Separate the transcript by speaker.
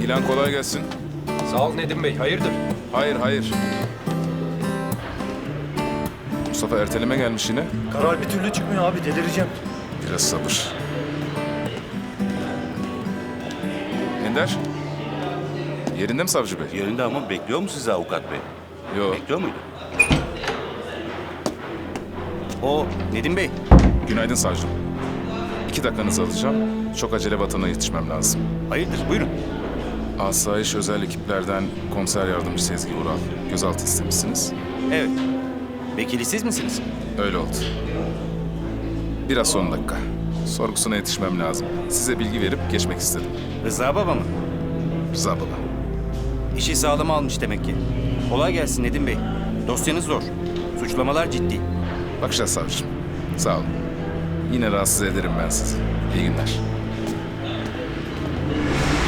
Speaker 1: İlhan kolay gelsin.
Speaker 2: Sağ ol Nedim Bey, hayırdır?
Speaker 1: Hayır, hayır. Mustafa erteleme gelmiş yine.
Speaker 3: Karar bir türlü çıkmıyor abi, delireceğim.
Speaker 1: Biraz sabır. Ender. Yerinde mi savcı bey?
Speaker 4: Yerinde ama bekliyor mu sizi avukat bey?
Speaker 1: Yok.
Speaker 4: Bekliyor muydu? O Nedim Bey.
Speaker 1: Günaydın savcım. 2 dakikanızı alacağım. Çok acele vatana yetişmem lazım.
Speaker 4: Hayırdır buyurun.
Speaker 1: Asayiş özel ekiplerden komiser yardımcı Sezgi Ural. Gözaltı istemişsiniz.
Speaker 4: Evet. Vekili siz misiniz?
Speaker 1: Öyle oldu. Biraz son dakika. Sorgusuna yetişmem lazım. Size bilgi verip geçmek istedim.
Speaker 4: Rıza baba mı?
Speaker 1: Rıza baba.
Speaker 4: İşi sağlama almış demek ki. Kolay gelsin Nedim Bey. Dosyanız zor. Suçlamalar ciddi.
Speaker 1: Bakacağız savcım. Sağ olun. Yine rahatsız ederim ben sizi. İyi günler.